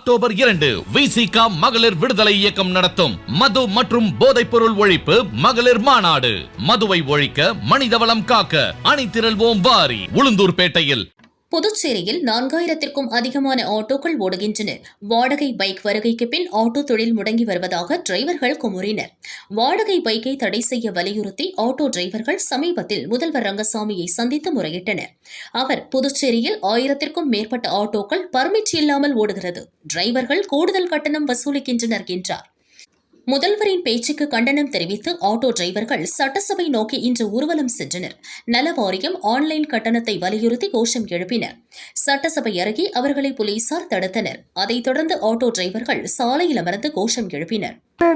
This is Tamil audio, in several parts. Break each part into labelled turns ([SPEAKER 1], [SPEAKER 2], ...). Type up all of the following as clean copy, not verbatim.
[SPEAKER 1] அக்டோபர் 2 விசிகா மகளிர் விடுதலை இயக்கம் நடத்தும் மது மற்றும் போதைப் பொருள் ஒழிப்பு மகளிர் மாநாடு. மதுவை ஒழிக்க, மனிதவளம் காக்க அணிதிரள்வோம் வாரி. உளுந்தூர்பேட்டையில்.
[SPEAKER 2] புதுச்சேரியில் 4000க்கும் அதிகமான ஆட்டோக்கள் ஓடுகின்றன. வாடகை பைக் வருகைக்கு பின் ஆட்டோ தொழில் முடங்கி வருவதாக டிரைவர்கள் குமுறினர். வாடகை பைக்கை தடை செய்ய வலியுறுத்தி ஆட்டோ டிரைவர்கள் சமீபத்தில் முதல்வர் ரங்கசாமியை சந்தித்து முறையிட்டனர். அவர் புதுச்சேரியில் 1000க்கும் மேற்பட்ட ஆட்டோக்கள் பர்மிட் இல்லாமல் ஓடுகிறது, டிரைவர்கள் கூடுதல் கட்டணம் வசூலிக்கின்றனர் என்றார். முதல்வரின் பேச்சுக்கு கண்டனம் தெரிவித்து ஆட்டோ டிரைவர்கள் சட்டசபை நோக்கி இன்று ஊர்வலம் சென்றனர். நல வாரியம் ஆன்லைன் கட்டணத்தை வலியுறுத்தி கோஷம் எழுப்பினர். சட்டசபை அருகே அவர்களை போலீசார் தடுத்தனர். அதைத் தொடர்ந்து ஆட்டோ டிரைவர்கள் சாலையில் அமர்ந்து கோஷம் எழுப்பினர்.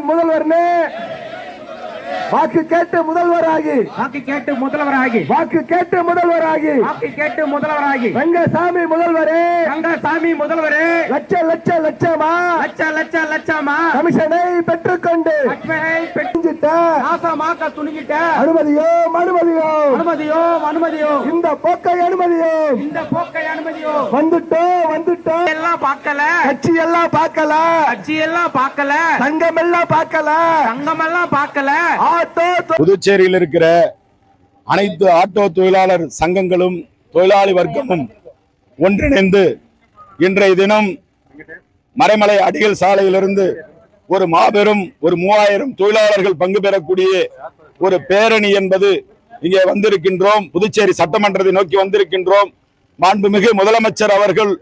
[SPEAKER 3] வாக்கு கேட்டு முதல்வராகி ரங்கசாமி முதல்வரே லட்சமா கமிஷனை பெற்றுக்கொண்டு அனுமதியோ இந்த போக்கை அனுமதியோ வந்துட்டோம் எல்லாம் பார்க்கல கட்சி எல்லாம் பார்க்கல சங்கம் எல்லாம் பார்க்கல
[SPEAKER 4] புதுச்சேரியில் இருக்கிற அனைத்து ஆட்டோ தொழிலாளர் சங்கங்களும் தொழிலாளி வர்க்கமும் ஒன்றிணைந்து இன்றைய தினம் மறைமலை அடிகள் சாலையிலிருந்து ஒரு மாபெரும் 3000 தொழிலாளர்கள் பங்கு பெறக்கூடிய ஒரு பேரணி என்பது இங்கே வந்திருக்கின்றோம். புதுச்சேரி சட்டமன்றத்தை நோக்கி வந்திருக்கின்றோம். மாண்புமிகு முதலமைச்சர் அவர்கள்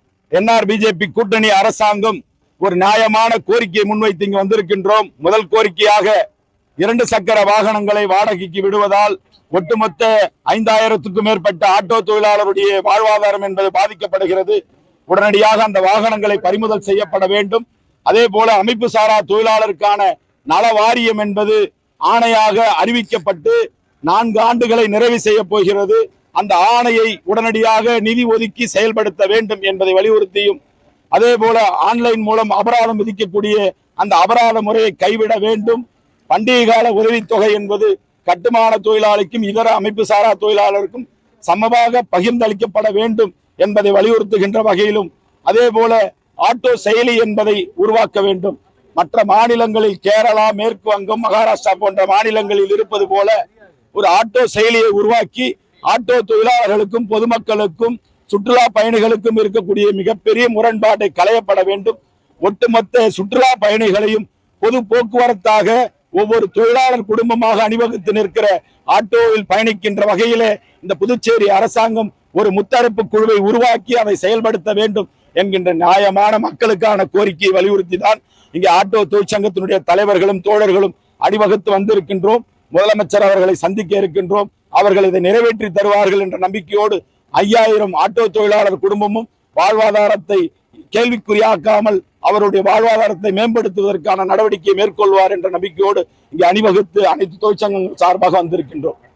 [SPEAKER 4] NRBJP கூட்டணி அரசாங்கம் ஒரு நியாயமான கோரிக்கையை முன்வைத்து இங்கு வந்திருக்கின்றோம். முதல் கோரிக்கையாக 2 சக்கர வாகனங்களை வாடகைக்கு விடுவதால் ஒட்டுமொத்த 5000க்கும் மேற்பட்ட ஆட்டோ தொழிலாளருடைய வாழ்வாதாரம் என்பது பாதிக்கப்படுகிறது. உடனடியாக அந்த வாகனங்களை பறிமுதல் செய்யப்பட வேண்டும். அதே போல அமைப்பு சாரா தொழிலாளருக்கான நல வாரியம் என்பது ஆணையாக அறிவிக்கப்பட்டு 4 ஆண்டுகளை நிறைவு செய்ய போகிறது. அந்த ஆணையை உடனடியாக நிதி ஒதுக்கி செயல்படுத்த வேண்டும் என்பதை வலியுறுத்தியும், அதே போல ஆன்லைன் மூலம் அபராதம் விதிக்கக்கூடிய அந்த அபராத முறையை கைவிட வேண்டும். பண்டிகை கால உதவித்தொகை என்பது கட்டுமான தொழிலாளிக்கும் இதர அமைப்பு சாரா தொழிலாளருக்கும் சமமாக பகிர்ந்தளிக்கப்பட வேண்டும் என்பதை வலியுறுத்துகின்ற வகையிலும், அதே போல ஆட்டோ செயலி என்பதை உருவாக்க வேண்டும். மற்ற மாநிலங்களில் கேரளா, மேற்கு வங்கம், மகாராஷ்டிரா போன்ற மாநிலங்களில் இருப்பது போல ஒரு ஆட்டோ செயலியை உருவாக்கி ஆட்டோ தொழிலாளர்களுக்கும் பொதுமக்களுக்கும் சுற்றுலா பயணிகளுக்கும் இருக்கக்கூடிய மிகப்பெரிய முரண்பாட்டை களையப்பட வேண்டும். ஒட்டுமொத்த சுற்றுலா பயணிகளையும் பொது போக்குவரத்தாக ஒவ்வொரு தொழிலாளர் குடும்பமாக அணிவகுத்து நிற்கிற ஆட்டோவில் பயணிக்கின்ற வகையிலே இந்த புதுச்சேரி அரசாங்கம் ஒரு முத்தரப்பு குழுவை உருவாக்கி அதை செயல்படுத்த வேண்டும் என்கின்ற நியாயமான மக்களுக்கான கோரிக்கையை வலியுறுத்தி தான் இங்கே ஆட்டோ தொழிற்சங்கத்தினுடைய தலைவர்களும் தோழர்களும் அணிவகுத்து வந்திருக்கின்றோம். முதலமைச்சர் அவர்களை சந்திக்க இருக்கின்றோம். அவர்கள் இதை நிறைவேற்றி தருவார்கள் என்ற நம்பிக்கையோடு 5000 ஆட்டோ தொழிலாளர் குடும்பமும் வாழ்வாதாரத்தை கேள்விக்குறியாக்காமல் அவருடைய வாழ்வாதாரத்தை மேம்படுத்துவதற்கான நடவடிக்கையை மேற்கொள்வார் என்ற நம்பிக்கையோடு இங்கே அணிவகுத்து அனைத்து தொழிற்சங்கங்கள் சார்பாக வந்திருக்கின்றோம்.